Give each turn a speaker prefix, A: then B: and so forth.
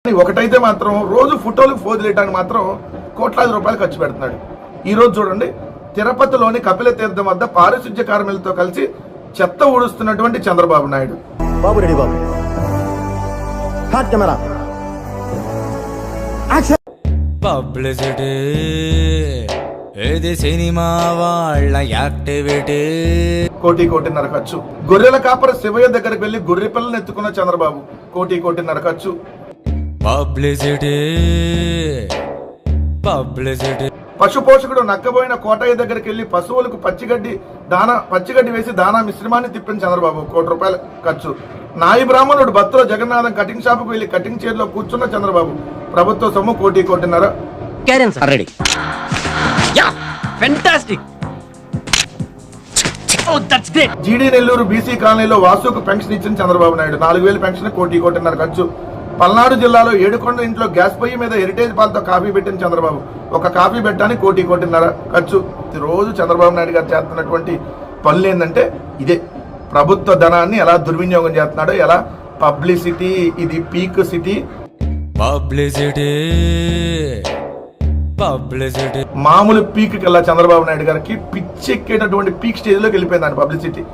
A: ఒకటైతే మాత్రం రోజు ఫోటోలకు ఫోజులేయడానికి మాత్రం కోట్లాది రూపాయలు ఖర్చు పెడుతున్నాడు. ఈ రోజు చూడండి, తిరుపతిలోని కపిల తీర్థం వద్ద పారిశుధ్య కార్మికులతో కలిసి చెత్త ఊడుస్తున్నటువంటి Chandrababu Naidu.
B: Babu ready Babu. Hot camera.
C: Publicity ఏది సినిమా వాళ్ళ యాక్టివిటీ.
A: కోటిన్నర ఖర్చు. గొర్రెల కాపర శివయ్య దగ్గరికి వెళ్లి గొర్రె పిల్లలు ఎత్తుకున్న చంద్రబాబు. కోటిన్నర ఖర్చు.
C: పబ్లిసిటీ.
A: పశు పోషకుడు నక్కబోయిన కోటయ్య దగ్గరికి వెళ్లి పశువులకు పచ్చిగడ్డి వేసి దానా మిశ్రమాన్ని తిప్పిన చంద్రబాబు. ₹1 ఖర్చు. నాయి బ్రాహ్మణుడు బత్తుల జగన్నాథం కటింగ్ షాపుకు వెళ్లి కటింగ్ చైర్ లో కూర్చున్న చంద్రబాబు. ప్రభుత్వ సొమ్ము కోటిన్నర. జీడీ నెల్లూరు బీసీ కాలనీలో వాసుకు పెన్షన్ ఇచ్చిన చంద్రబాబు నాయుడు. 4,000 పెన్షన్. కోటిన్నర ఖర్చు. పల్నాడు జిల్లాలో ఏడుకొండ ఇంట్లో గ్యాస్ పొయ్యి మీద హెరిటేజ్ పాలతో కాఫీ పెట్టిన చంద్రబాబు. ఒక కాఫీ పెట్టడానికి కోటిన్నర ఖర్చు. రోజు చంద్రబాబు నాయుడు గారు చేస్తున్నటువంటి పనులు ఏంటంటే ఇదే. ప్రభుత్వ ధనాన్ని ఎలా దుర్వినియోగం చేస్తున్నాడో, ఎలా పబ్లిసిటీ. ఇది పీక్ సిటీ. మామూలు పీక్ కల్లా చంద్రబాబు నాయుడు గారికి పిచ్చెక్కేటటువంటి పీక్ స్టేజ్ లోకి వెళ్ళిపోయింది పబ్లిసిటీ.